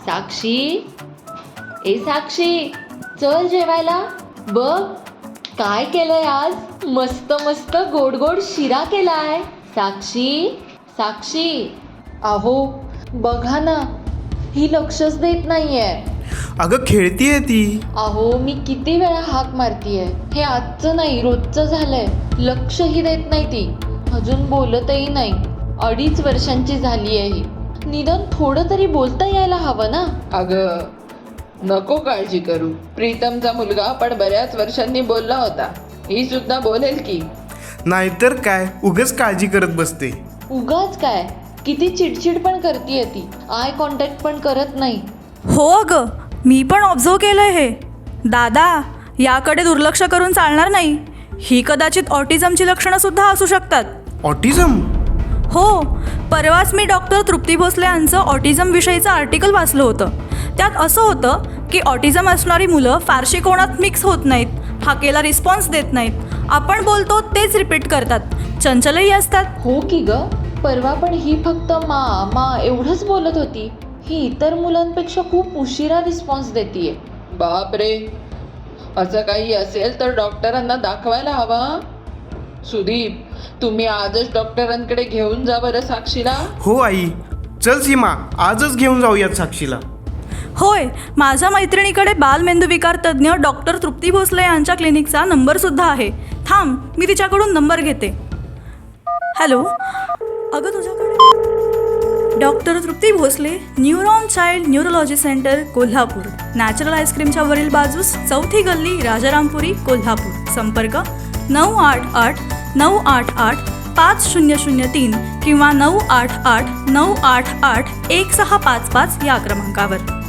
साक्षी, ए साक्षी, चल जेवायला. बघ काय केलंय आज. मस्त मस्त गोड गोड शिरा केलाय. साक्षी, साक्षी, अहो बघा ना, ही लक्षच देत नाहीये. अगं खेळतीये ती. अहो मी किती वेळा हाक मारतीये. हे आजचं नाही, रोजचं झालंय. लक्षही देत नाही ती. अजून बोलतही नाही. 2.5 वर्षांची झाली आहे ही. निदान थोडं तरी बोलता यायला हवं ना. अगं नको काळजी करू. प्रीतमचा मुलगा पण बऱ्याच वर्षांनी बोलला होता. ही सुद्धा बोलेल की. नाहीतर काय, उगाच काळजी करत बसते. उगाच काय, किती चिडचिड पण करतीये ती. आय कॉन्टॅक्ट पण करत नाही. हो अगं, मी पण ऑब्झर्व केलंय हे. दादा, याकडे दुर्लक्ष करून चालणार नाही. ही कदाचित ऑटिझमची लक्षणं सुद्धा असू शकतात. ऑटिझम? हो, परवाच मी डॉक्टर तृप्ती भोसले यांचं ऑटिझम विषयीचं आर्टिकल वाचलं होतं. त्यात असं होतं की ऑटिझम असणारी मुलं फारशी कोणात मिक्स होत नाहीत, हाकेला रिस्पॉन्स देत नाहीत, आपण बोलतो तेच रिपीट करतात, चंचलही असतात. हो की ग, परवा पण ही फक्त मा मा एवढंच बोलत होती. ही इतर मुलांपेक्षा खूप उशिरा रिस्पॉन्स देतीये. बापरे, असं काही असेल तर डॉक्टरांना दाखवायला हवा. सुदीप, तुम्ही आजच डॉक्टरांकडे घेऊन जा बरं साक्षीला. हो आई, चल सीमा, आजच घेऊन जाऊयात साक्षीला. होय, माझ्या मैत्रिणीकडे बालमेंदूविकार तज्ज्ञ डॉक्टर तृप्ती भोसले यांच्या क्लिनिकचा नंबरसुद्धा आहे. थांब, मी तिच्याकडून नंबर घेते. हॅलो, अगं तुझ्याकडे doctor Trupti Bhosale, neuron child neurology centre, Kolhapur, natural आईस्क्रीमच्या वरील बाजूस, 4थी गल्ली, राजारामपुरी, कोल्हापूर. संपर्क 988-988-5003 किंवा 988-988-1655 या क्रमांकावर.